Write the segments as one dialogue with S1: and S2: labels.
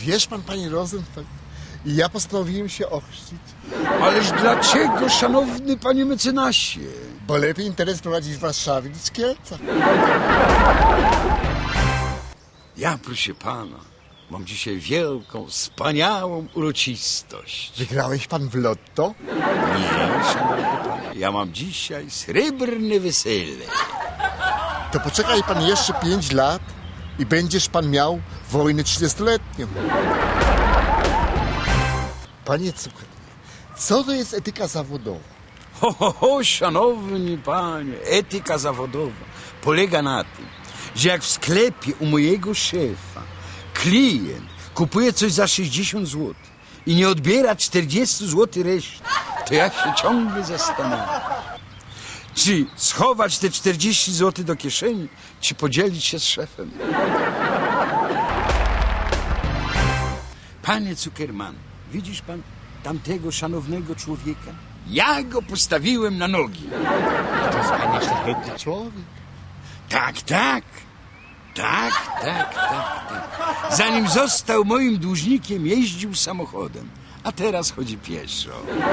S1: Wiesz pan, panie Rosenfeld, ja postanowiłem się ochrzcić.
S2: Ależ dlaczego, szanowny panie mecenasie?
S1: Bo lepiej interes prowadzić w Warszawie niż w Kielcach.
S2: Ja, proszę pana, mam dzisiaj wielką, wspaniałą uroczystość.
S1: Wygrałeś pan w lotto?
S2: Nie, szanowny panie, ja mam dzisiaj srebrne wesele.
S1: To poczekaj pan jeszcze 5 lat i będziesz pan miał wojnę 30-letnią. Panie Cukier, co to jest etyka zawodowa?
S2: Ho, szanowny panie, etyka zawodowa polega na tym, że jak w sklepie u mojego szefa klient kupuje coś za 60 zł i nie odbiera 40 zł reszty, to ja się ciągle zastanawiam, czy schować te 40 zł do kieszeni, czy podzielić się z szefem. Panie Zuckerman, widzisz pan tamtego szanownego człowieka? Ja go postawiłem na nogi.
S1: To jest panie szlachetny człowiek.
S2: Tak. Zanim został moim dłużnikiem, jeździł samochodem, a teraz chodzi pieszo.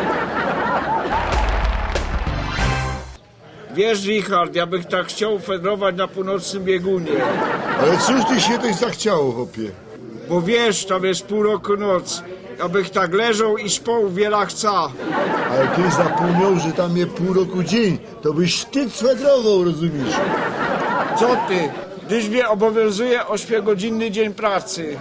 S3: Wiesz, Richard, ja bych tak chciał fedrować na północnym biegunie.
S1: Ale cóż ty się też zachciało, chłopie?
S3: Bo wiesz, tam jest pół roku noc. Ja bych tak leżał i spał wiele chce.
S4: Ale ty zapomniał, że tam jest pół roku dzień. To byś ty swedrował, rozumiesz?
S3: Co ty? Gdyż mnie obowiązuje 8-godzinny dzień pracy.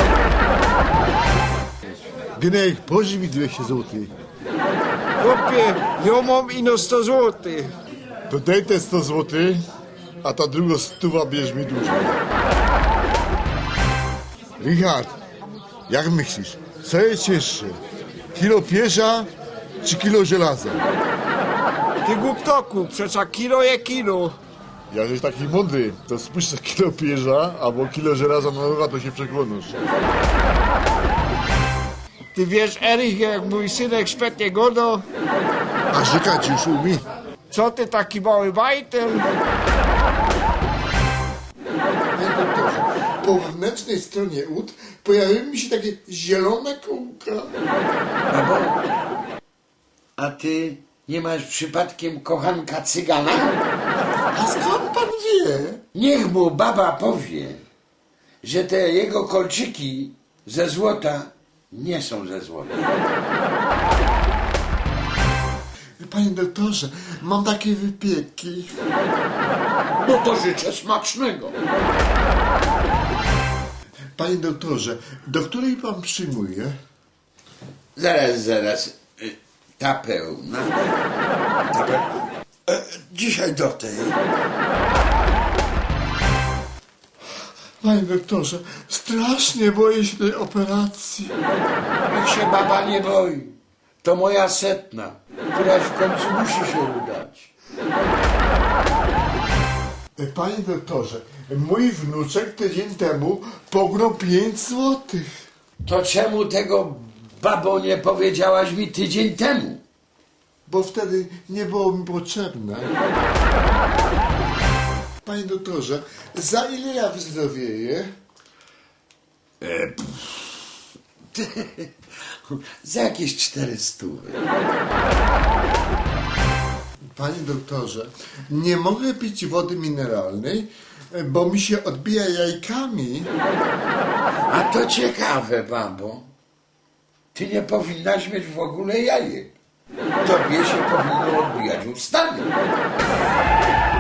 S4: Gnek, pożycz mi 200 złotych.
S3: Chłopie, ja mam ino 100 złotych.
S4: To daj te 100 złotych, a ta druga 100 bierz mi dużo. Richard, jak myślisz, co jest cięższe? Kilo pierza czy kilo żelaza?
S3: Ty głuptoku, przecież kilo je kilo.
S4: Ja jesteś taki mądry, to spójrz na kilo pierza albo kilo żelaza na noga, to się przekonasz.
S3: Ty wiesz, Erich, jak mój synek szpetnie godo.
S4: A rzekać już umie.
S3: Co ty taki mały bajtel?
S1: Panie doktorze, po wewnętrznej stronie ud pojawiły mi się takie zielone kółka.
S2: Babo, a ty nie masz przypadkiem kochanka cygana?
S1: A skąd pan wie?
S2: Niech mu baba powie, że te jego kolczyki ze złota nie są ze złota.
S1: Panie doktorze, mam takie wypieki.
S2: No to życzę smacznego.
S1: Panie doktorze, do której pan przyjmuje?
S2: Zaraz. Ta pełna. Dzisiaj do tej.
S1: Panie doktorze, strasznie boję się tej operacji.
S2: Niech się baba nie boi. To moja 100, która w końcu musi się udać.
S1: Panie doktorze, mój wnuczek tydzień temu pograł 5 złotych.
S2: To czemu tego, babo, nie powiedziałaś mi tydzień temu?
S1: Bo wtedy nie było mi potrzebne. Panie doktorze, za ile ja wyzdrowieję?
S2: Za jakieś 400.
S1: Panie doktorze, nie mogę pić wody mineralnej, bo mi się odbija jajkami.
S2: A to ciekawe, babo. Ty nie powinnaś mieć w ogóle jajek. Tobie się powinno odbijać ustami.